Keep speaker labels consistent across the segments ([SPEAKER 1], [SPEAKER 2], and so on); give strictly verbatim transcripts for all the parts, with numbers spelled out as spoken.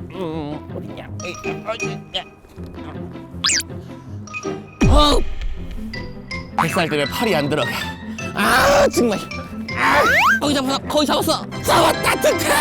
[SPEAKER 1] 음, 어디냐? 어디냐? 어! 뱃살 때문에 팔이 안 들어가. 아 정말. 아, 거기 잡았어. 거기 잡았어. 잡아 따뜻해.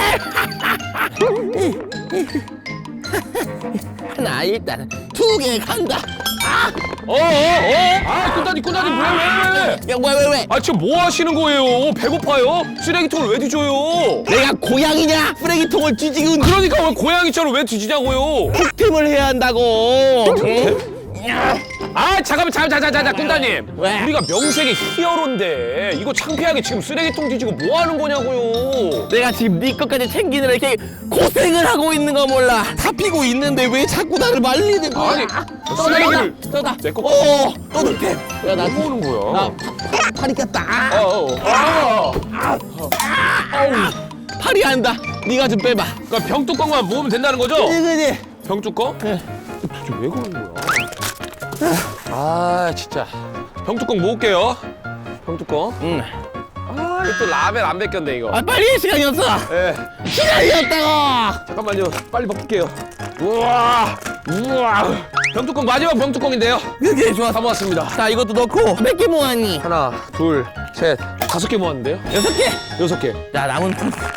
[SPEAKER 1] 하나 일단 두 개 간다. 아,
[SPEAKER 2] 어어어 아 꾼다니 꾼다니 왜 왜 왜?
[SPEAKER 1] 야 뭐야 왜 왜?
[SPEAKER 2] 아 지금 뭐 하시는 거예요? 배고파요? 쓰레기통을 왜 뒤져요?
[SPEAKER 1] 내가 고양이냐? 쓰레기통을 뒤지고
[SPEAKER 2] 그러니까 왜 고양이처럼 왜 뒤지냐고요?
[SPEAKER 1] 득템을 해야 한다고. 응?
[SPEAKER 2] 아 잠깐만 잠깐 잠깐 잠깐 꾼다님
[SPEAKER 1] 왜?
[SPEAKER 2] 우리가 명색이 히어로인데 이거 창피하게 지금 쓰레기통 뒤지고 뭐 하는 거냐고요?
[SPEAKER 1] 내가 지금 네 것까지 챙기느라 이렇게 고생을 하고 있는 거 몰라. 다 피고 있는데 왜 자꾸 나를 말리는 거야?
[SPEAKER 2] 아니
[SPEAKER 1] 쓰레기를 떠다.
[SPEAKER 2] 내 거.
[SPEAKER 1] 어, 또 득템. 야, 나
[SPEAKER 2] 뭐 하는 거야?
[SPEAKER 1] 나 파, 팔이 꼈다. 아,
[SPEAKER 2] 어, 어. 아,
[SPEAKER 1] 아우, 팔이 안다. 네가 좀 빼봐.
[SPEAKER 2] 그러니까 병뚜껑만 모으면 된다는 거죠?
[SPEAKER 1] 그지 그지.
[SPEAKER 2] 병뚜껑?
[SPEAKER 1] 네.
[SPEAKER 2] 도대체 왜 그러는 거야? 아 진짜 병뚜껑 모을게요. 병뚜껑.
[SPEAKER 1] 응.
[SPEAKER 2] 아 이거 또 라벨 안 벗겼네 이거.
[SPEAKER 1] 아 빨리 시간이 없어.
[SPEAKER 2] 예.
[SPEAKER 1] 시간이 없다고.
[SPEAKER 2] 잠깐만요. 빨리 벗길게요. 우와. 우와. 병뚜껑 마지막 병뚜껑인데요.
[SPEAKER 1] 그게 좋아.
[SPEAKER 2] 다 모았습니다.
[SPEAKER 1] 자 이것도 넣고 몇 개 모았니?
[SPEAKER 2] 하나, 둘, 셋, 다섯 개 모았는데요.
[SPEAKER 1] 여섯 개.
[SPEAKER 2] 여섯 개.
[SPEAKER 1] 자 남은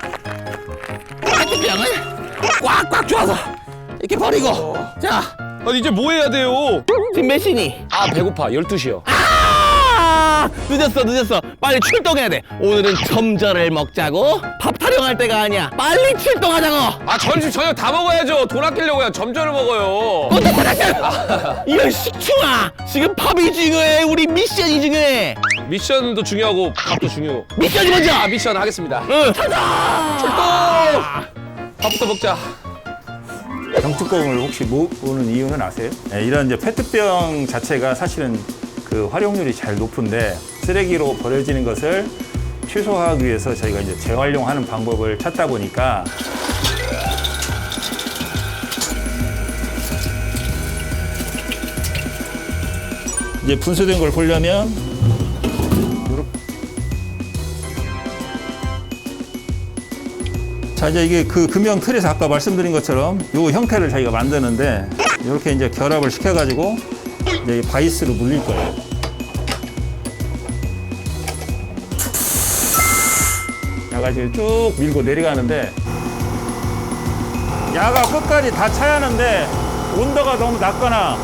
[SPEAKER 1] 페트병을 꽉꽉 줘서 이렇게 버리고. 자
[SPEAKER 2] 아 이제 뭐 해야 돼요?
[SPEAKER 1] 지금 몇 시니?
[SPEAKER 2] 아 배고파. 열두 시요.
[SPEAKER 1] 아 늦었어 늦었어. 빨리 출동해야 돼. 오늘은 점절을 먹자고. 밥 타령할 때가 아니야. 빨리 출동하자고.
[SPEAKER 2] 아 점심 저녁 다 먹어야죠. 돈 아끼려고요. 점점을 먹어요.
[SPEAKER 1] 이런 식충아. 지금 밥이 중요해. 우리 미션이 중요해.
[SPEAKER 2] 미션도 중요하고 밥도 중요해요.
[SPEAKER 1] 미션이 먼저.
[SPEAKER 2] 아 미션 하겠습니다.
[SPEAKER 1] 응. 가자.
[SPEAKER 2] 출동! 밥부터 먹자.
[SPEAKER 3] 병뚜껑을 혹시 모으는 이유는 아세요? 네, 이런 이제 페트병 자체가 사실은 그 활용률이 잘 높은데 쓰레기로 버려지는 것을 최소화하기 위해서 저희가 이제 재활용하는 방법을 찾다 보니까 이제 분쇄된 걸 보려면 자 이제 이게 그 금형 틀에서 아까 말씀드린 것처럼 이 형태를 저희가 만드는데 이렇게 이제 결합을 시켜가지고 이제 이 바이스로 물릴 거예요. 야가 지금 쭉 밀고 내려가는데 야가 끝까지 다 차야 하는데 온도가 너무 낮거나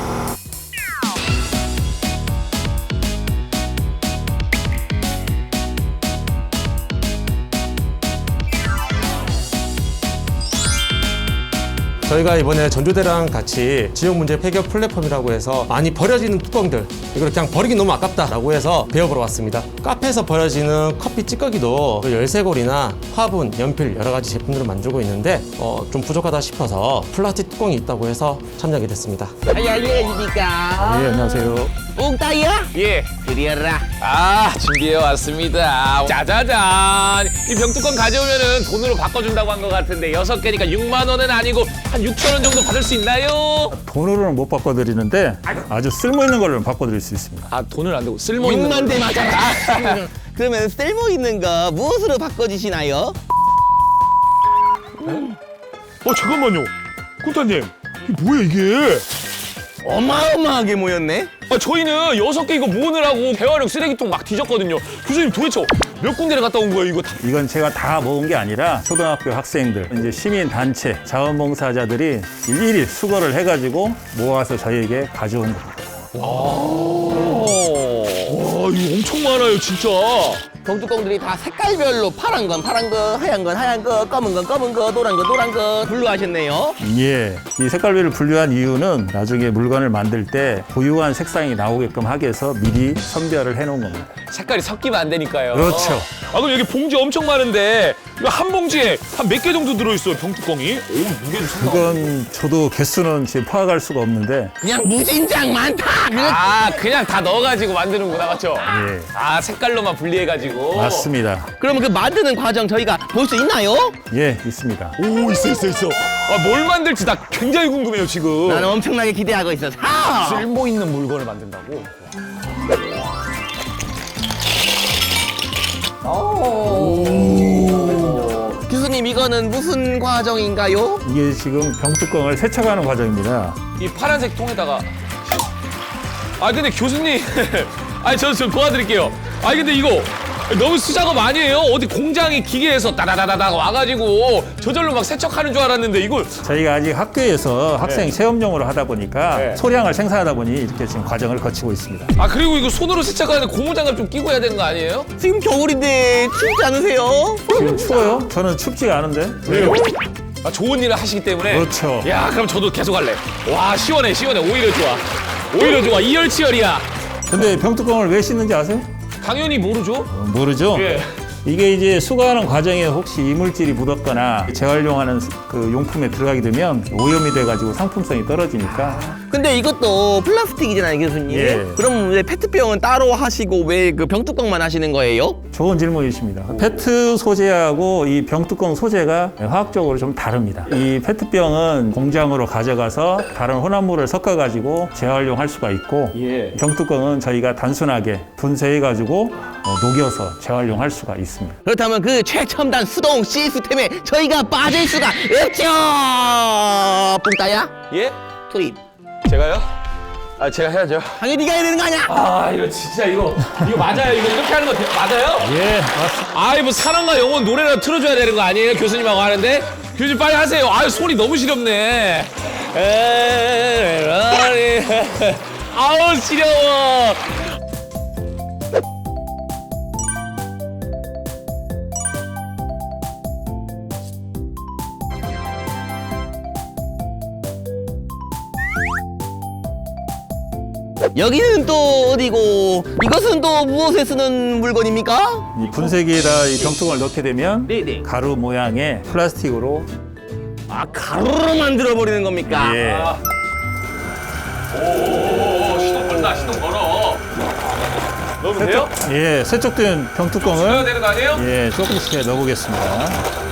[SPEAKER 4] 저희가 이번에 전조대랑 같이 지역문제 해결 플랫폼이라고 해서 많이 버려지는 뚜껑들 이걸 그냥 버리기 너무 아깝다라고 해서 배워보러 왔습니다. 카페에서 버려지는 커피 찌꺼기도 열쇠고리나 화분, 연필 여러 가지 제품들을 만들고 있는데 어, 좀 부족하다 싶어서 플라스틱 뚜껑이 있다고 해서 참여하게 됐습니다.
[SPEAKER 1] 안녕하십니까.
[SPEAKER 3] 네 안녕하세요.
[SPEAKER 1] 웅따이야?
[SPEAKER 2] 예.
[SPEAKER 1] 그리어라.
[SPEAKER 2] 아 준비해 왔습니다. 짜자잔. 이 병뚜껑 가져오면은 돈으로 바꿔준다고 한 것 같은데 여섯 개니까 육만 원은 아니고 한 육천 원 정도 받을 수 있나요?
[SPEAKER 3] 돈으로는 못 바꿔드리는데 아주 쓸모있는 걸로 바꿔드릴 수 있습니다.
[SPEAKER 2] 아 돈을 안 되고 쓸모 있는.
[SPEAKER 1] 육만 대 맞아라. 그러면 쓸모 있는 거 무엇으로 바꿔주시나요?
[SPEAKER 2] 어 잠깐만요. 꾼타님 이게 뭐야 이게?
[SPEAKER 1] 어마어마하게 모였네.
[SPEAKER 2] 아 저희는 여섯 개 이거 모으느라고 대화령 쓰레기통 막 뒤졌거든요. 교수님 도대체 몇 군데를 갔다 온 거예요 이거 다?
[SPEAKER 3] 이건 제가 다 모은 게 아니라 초등학교 학생들, 이제 시민단체, 자원봉사자들이 일일이 수거를 해가지고 모아서 저희에게 가져온 겁니다.
[SPEAKER 2] 와 이거 엄청 많아요 진짜.
[SPEAKER 1] 병뚜껑들이 다 색깔별로 파란 건 파란 거, 하얀 건 하얀 거, 검은 건 검은 거, 노란 건 노란 거 분류하셨네요.
[SPEAKER 3] 예, 이 색깔별을 분류한 이유는 나중에 물건을 만들 때 고유한 색상이 나오게끔 하기 위해서 미리 선별을 해놓은 겁니다.
[SPEAKER 2] 색깔이 섞이면 안 되니까요.
[SPEAKER 3] 그렇죠.
[SPEAKER 2] 아 그럼 여기 봉지 엄청 많은데 이거 한 봉지에 한 몇 개 정도 들어있어요 병뚜껑이? 오 무게도 상당.
[SPEAKER 3] 그건 저도 개수는 지금 파악할 수가 없는데
[SPEAKER 1] 그냥 무진장 많다.
[SPEAKER 2] 아 그냥 다 넣어가지고 만드는구나 맞죠?
[SPEAKER 3] 예.
[SPEAKER 2] 아 색깔로만 분리해가지고.
[SPEAKER 3] 맞습니다.
[SPEAKER 1] 그러면 그 만드는 과정 저희가 볼 수 있나요?
[SPEAKER 3] 예, 있습니다.
[SPEAKER 2] 오 있어 있어 있어. 아 뭘 만들지 나 굉장히 궁금해요 지금.
[SPEAKER 1] 나는 엄청나게 기대하고 있어. 자,
[SPEAKER 2] 쓸모 있는 물건을 만든다고?
[SPEAKER 1] 교수님 교수님 이거는 무슨 과정인가요?
[SPEAKER 3] 이게 지금 병뚜껑을 세척하는 과정입니다.
[SPEAKER 2] 이 파란색 통에다가 아 근데 교수님 아니 저 좀 도와드릴게요. 아니 근데 이거 너무 수작업 아니에요? 어디 공장이 기계에서 따다다다다 와가지고 저절로 막 세척하는 줄 알았는데 이걸
[SPEAKER 3] 저희가 아직 학교에서 학생 체험용으로 하다 보니까
[SPEAKER 2] 네.
[SPEAKER 3] 소량을 생산하다 보니 이렇게 지금 과정을 거치고 있습니다.
[SPEAKER 2] 아 그리고 이거 손으로 세척하는데 고무장갑 좀 끼고 해야 되는 거 아니에요?
[SPEAKER 1] 지금 겨울인데 춥지 않으세요?
[SPEAKER 3] 지금 추워요? 저는 춥지가 않은데.
[SPEAKER 2] 왜요? 아 좋은 일을 하시기 때문에
[SPEAKER 3] 그렇죠.
[SPEAKER 2] 야 그럼 저도 계속 할래. 와 시원해 시원해 오히려 좋아 오히려 좋아 이열치열이야.
[SPEAKER 3] 근데 병뚜껑을 왜 씻는지 아세요?
[SPEAKER 2] 당연히 모르죠?
[SPEAKER 3] 어, 모르죠?
[SPEAKER 2] 예.
[SPEAKER 3] 이게 이제 수거하는 과정에 혹시 이물질이 묻었거나 재활용하는 그 용품에 들어가게 되면 오염이 돼가지고 상품성이 떨어지니까
[SPEAKER 1] 근데 이것도 플라스틱이잖아요, 교수님.
[SPEAKER 3] 예.
[SPEAKER 1] 그럼 왜 페트병은 따로 하시고 왜 그 병뚜껑만 하시는 거예요?
[SPEAKER 3] 좋은 질문이십니다. 페트 소재하고 이 병뚜껑 소재가 화학적으로 좀 다릅니다. 이 페트병은 공장으로 가져가서 다른 혼합물을 섞어가지고 재활용할 수가 있고
[SPEAKER 2] 예.
[SPEAKER 3] 병뚜껑은 저희가 단순하게 분쇄해가지고 어, 녹여서 재활용할 수가 있습니다.
[SPEAKER 1] 그렇다면 그 최첨단 수동 시스템에 저희가 빠질 수가 없죠. 뿡따야
[SPEAKER 2] 예?
[SPEAKER 1] 투입.
[SPEAKER 2] 제가요? 아 제가 해야죠.
[SPEAKER 1] 당연히 네가 해야 되는 거 아니야?
[SPEAKER 2] 아 이거 진짜 이거 이거 맞아요? 이거 이렇게 하는 거 대- 맞아요?
[SPEAKER 3] 예, 맞습니다.
[SPEAKER 2] 아이 뭐 사랑과 영혼 노래라도 틀어줘야 되는 거 아니에요? 교수님하고 하는데 교수님 빨리 하세요. 아유 소리 너무 시렵네. 에라리. 아우 시려워.
[SPEAKER 1] 여기는 또 어디고 이것은 또 무엇에 쓰는 물건입니까?
[SPEAKER 3] 이 분쇄기에다 이 병뚜껑을 넣게 되면
[SPEAKER 1] 네네.
[SPEAKER 3] 가루 모양의 플라스틱으로
[SPEAKER 1] 아 가루로 만들어 버리는 겁니까?
[SPEAKER 3] 예.
[SPEAKER 2] 아. 오 시동 걸다 시동 걸어. 넣으면 돼요?
[SPEAKER 3] 예, 세척된
[SPEAKER 2] 넣어야
[SPEAKER 3] 병뚜껑을
[SPEAKER 2] 되는 거 아니에요?
[SPEAKER 3] 예, 조금씩 넣어보겠습니다.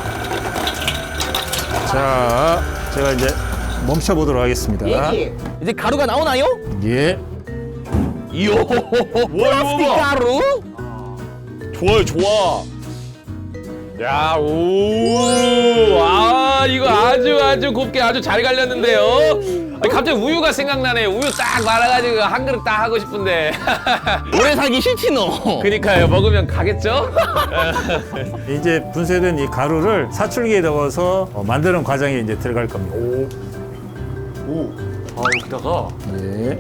[SPEAKER 3] 자, 제가 이제 멈춰보도록 하겠습니다.
[SPEAKER 1] 예. 이제 가루가 나오나요?
[SPEAKER 3] 예.
[SPEAKER 1] 이요 플라스틱
[SPEAKER 2] 봐.
[SPEAKER 1] 가루?
[SPEAKER 2] 좋아요, 좋아. 야, 오, 아, 이거 아주 아주 곱게 아주 잘 갈렸는데요. 아니, 갑자기 우유가 생각나네. 우유 딱 말아가지고 한 그릇 딱 하고 싶은데.
[SPEAKER 1] 오래 살기 싫지 너.
[SPEAKER 2] 그니까요, 먹으면 가겠죠?
[SPEAKER 3] 이제 분쇄된 이 가루를 사출기에 넣어서 어, 만드는 과정에 이제 들어갈 겁니다.
[SPEAKER 2] 오, 아, 여기다가.
[SPEAKER 3] 예.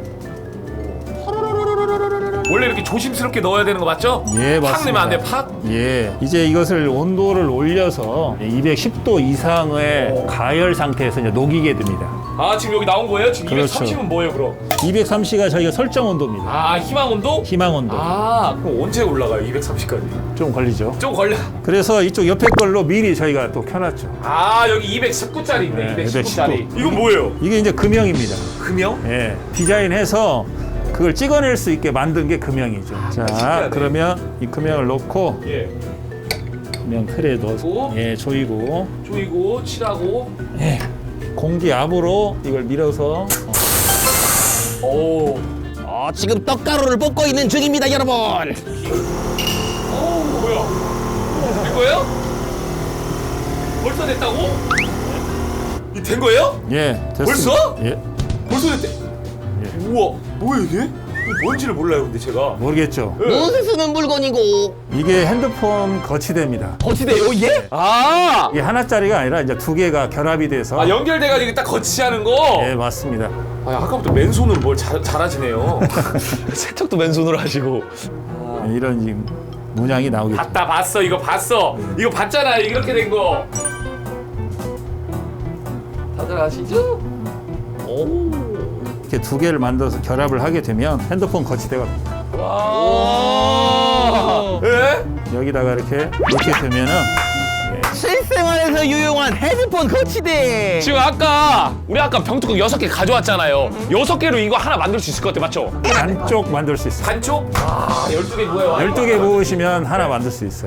[SPEAKER 2] 원래 이렇게 조심스럽게 넣어야 되는 거 맞죠?
[SPEAKER 3] 예, 맞습니다.
[SPEAKER 2] 팍 넣으면 안 돼, 팍?
[SPEAKER 3] 예. 이제 이것을 온도를 올려서 이백십 도 이상의 가열 상태에서 이제 녹이게 됩니다.
[SPEAKER 2] 아, 지금 여기 나온 거예요? 지금
[SPEAKER 3] 그렇죠.
[SPEAKER 2] 이백삼십은 뭐예요, 그럼?
[SPEAKER 3] 이백삼십가 저희가 설정 온도입니다.
[SPEAKER 2] 아, 희망 온도?
[SPEAKER 3] 희망 온도.
[SPEAKER 2] 아, 그럼 언제 올라가요, 이백삼십까지?
[SPEAKER 3] 좀 걸리죠.
[SPEAKER 2] 좀 걸려.
[SPEAKER 3] 그래서 이쪽 옆에 걸로 미리 저희가 또 켜놨죠.
[SPEAKER 2] 아, 여기 이백십구 짜리 있네,
[SPEAKER 3] 네,
[SPEAKER 2] 이백십구 짜리.
[SPEAKER 3] 이백십구.
[SPEAKER 2] 이건 뭐예요?
[SPEAKER 3] 이게 이제 금형입니다.
[SPEAKER 2] 금형?
[SPEAKER 3] 예. 디자인해서 그걸 찍어낼 수 있게 만든 게 금형이죠. 자,
[SPEAKER 2] 신기하네.
[SPEAKER 3] 그러면 이 금형을 놓고
[SPEAKER 2] 예.
[SPEAKER 3] 금형 틀에 넣어서
[SPEAKER 2] 오.
[SPEAKER 3] 예, 조이고
[SPEAKER 2] 조이고, 칠하고.
[SPEAKER 3] 예. 공기 압으로 이걸 밀어서 어,
[SPEAKER 2] 오.
[SPEAKER 1] 어, 지금 떡가루를 볶고 있는 중입니다, 여러분.
[SPEAKER 2] 오, 뭐야? 된 거예요? 벌써 됐다고? 이 된 거예요?
[SPEAKER 3] 예, 됐습니다.
[SPEAKER 2] 벌써?
[SPEAKER 3] 예.
[SPEAKER 2] 벌써 됐대. 우와, 뭐야 이게? 이게 뭔지를 몰라요, 근데 제가.
[SPEAKER 3] 모르겠죠.
[SPEAKER 1] 무엇에 쓰는 물건이고
[SPEAKER 3] 이게 핸드폰 거치대입니다.
[SPEAKER 1] 거치대요, 예?
[SPEAKER 2] 아,
[SPEAKER 3] 이게 하나짜리가 아니라 이제 두 개가 결합이 돼서
[SPEAKER 2] 아 연결돼가지고 딱 거치하는 거.
[SPEAKER 3] 예, 맞습니다.
[SPEAKER 2] 아, 아까부터 맨손으로 뭘 잘, 잘하시네요. 세척도 맨손으로 하시고.
[SPEAKER 3] 예, 이런 지금 문양이 나오겠죠.
[SPEAKER 2] 봤다, 봤어, 이거 봤어. 이거 봤잖아, 이렇게 된 거. 다들 아시죠? 오.
[SPEAKER 3] 이렇게 두 개를 만들어서 결합을 하게 되면 핸드폰 거치대가 됩니다.
[SPEAKER 2] 와. 예?
[SPEAKER 3] 여기다가 이렇게 놓게 되면은
[SPEAKER 1] 실생활에서 유용한 헤드폰 거치대.
[SPEAKER 2] 지금 아까 우리 아까 병뚜껑 여섯 개 가져왔잖아요. 여섯 개로 이거 하나 만들 수 있을 것 같아, 맞죠?
[SPEAKER 3] 반쪽 만들 수 있어요.
[SPEAKER 2] 반쪽? 아, 열두 개 뭐예요?
[SPEAKER 3] 열두 개 모으시면 하나 만들 수 있어요.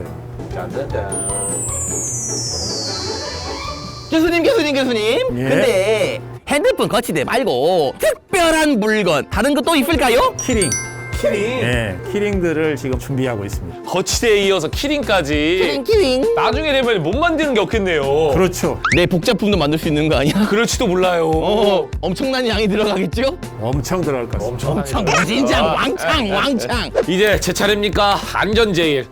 [SPEAKER 1] 교수님, 교수님, 교수님.
[SPEAKER 3] 예.
[SPEAKER 1] 근데 핸드폰 거치대 말고 특별한 물건 다른 거 또 있을까요?
[SPEAKER 3] 키링.
[SPEAKER 2] 키링.
[SPEAKER 3] 예, 키링들을 지금 준비하고 있습니다.
[SPEAKER 2] 거치대에 이어서 키링까지.
[SPEAKER 1] 키링.
[SPEAKER 2] 나중에 되면 못 만드는 게 없겠네요.
[SPEAKER 3] 그렇죠.
[SPEAKER 1] 내 복제품도 만들 수 있는 거 아니야?
[SPEAKER 2] 그럴지도 몰라요.
[SPEAKER 1] 어, 엄청난 양이 들어가겠죠?
[SPEAKER 3] 엄청 들어갈 것 같습니다.
[SPEAKER 1] 엄청 진짜 왕창 왕창.
[SPEAKER 2] 이제 제 차례입니까? 안전 제일.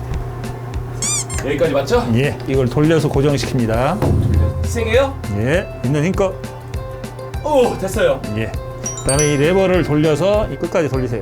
[SPEAKER 2] 여기까지 맞죠?
[SPEAKER 3] 예, 이걸 돌려서 고정시킵니다.
[SPEAKER 2] 희생해요?
[SPEAKER 3] 예, 있는 힘껏.
[SPEAKER 2] 오, 됐어요.
[SPEAKER 3] 예. 그다음에 이 레버를 돌려서 이 끝까지 돌리세요.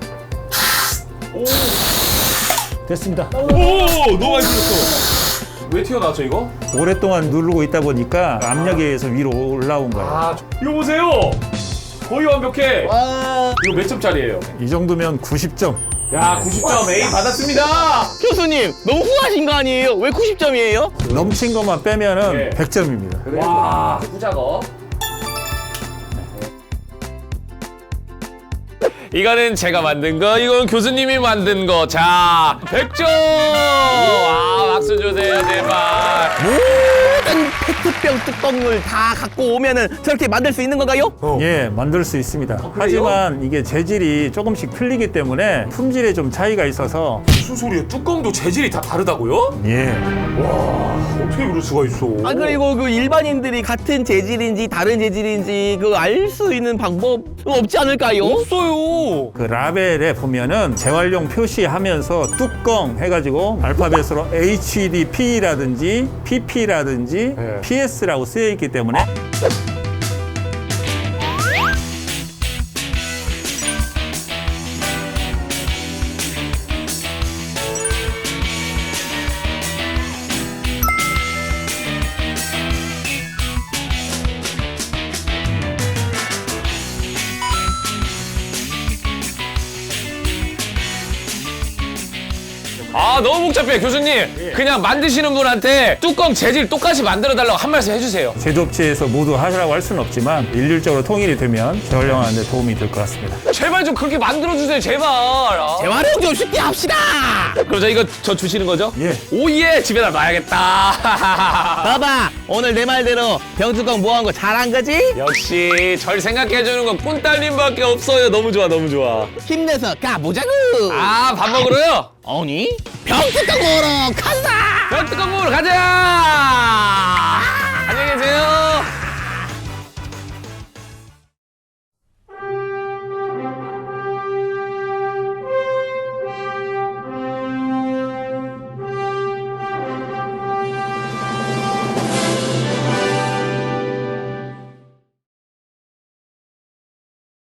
[SPEAKER 3] 됐습니다.
[SPEAKER 2] 오, 너무 많이 들었어. 왜 튀어나왔죠 이거?
[SPEAKER 3] 오랫동안 누르고 있다 보니까 압력에 의해서 위로 올라온 거예요.
[SPEAKER 2] 아, 이거 보세요. 거의 완벽해.
[SPEAKER 1] 와.
[SPEAKER 2] 이거 몇 점짜리예요?
[SPEAKER 3] 이 정도면 구십 점.
[SPEAKER 2] 야, 구십 점 A 받았습니다.
[SPEAKER 1] 교수님 너무 후하신 거 아니에요? 왜 구십 점이에요?
[SPEAKER 3] 넘친 것만 빼면은
[SPEAKER 2] 예.
[SPEAKER 3] 백 점입니다.
[SPEAKER 2] 와, 후작업. 이거는 제가 만든 거, 이건 교수님이 만든 거. 자, 백 점! 아, 박수 주세요, 제발.
[SPEAKER 1] 모든 페트병 뚜껑을 다 갖고 오면은 저렇게 만들 수 있는 건가요?
[SPEAKER 3] 예, 만들 수 있습니다. 하지만 이게 재질이 조금씩 틀리기 때문에 품질에 좀 차이가 있어서
[SPEAKER 2] 무슨 소리야? 뚜껑도 재질이 다 다르다고요?
[SPEAKER 3] 예,
[SPEAKER 2] 어떻게 그럴 수가 있어?
[SPEAKER 1] 아 그리고 그 일반인들이 같은 재질인지 다른 재질인지 그 알 수 있는 방법 없지 않을까요?
[SPEAKER 2] 없어요.
[SPEAKER 3] 그 라벨에 보면은 재활용 표시하면서 뚜껑 해가지고 알파벳으로 에이치 디 피라든지 피피라든지
[SPEAKER 2] 네.
[SPEAKER 3] 피에스라고 쓰여 있기 때문에
[SPEAKER 2] 아, 너무 복잡해, 교수님. 그냥 만드시는 분한테 뚜껑 재질 똑같이 만들어달라고 한 말씀 해주세요.
[SPEAKER 3] 제조업체에서 모두 하시라고 할 수는 없지만 일률적으로 통일이 되면 재활용하는 데 도움이 될 것 같습니다.
[SPEAKER 2] 제발 좀 그렇게 만들어주세요, 제발. 아.
[SPEAKER 1] 재활용 좀 쉽게 합시다.
[SPEAKER 2] 그럼 저 이거 저 주시는 거죠?
[SPEAKER 3] 예.
[SPEAKER 2] 오예, 집에다 놔야겠다.
[SPEAKER 1] 봐봐 오늘 내 말대로 병뚜껑 모아온 거 잘한 거지?
[SPEAKER 2] 역시 절 생각해주는 건 꾼딸님밖에 없어요. 너무 좋아, 너무 좋아.
[SPEAKER 1] 힘내서 가보자구.
[SPEAKER 2] 아, 밥 먹으러요?
[SPEAKER 1] 아니 병뚜껑 모으러 간다.
[SPEAKER 2] 병뚜껑 먹으러 가자. 안녕히 계세요.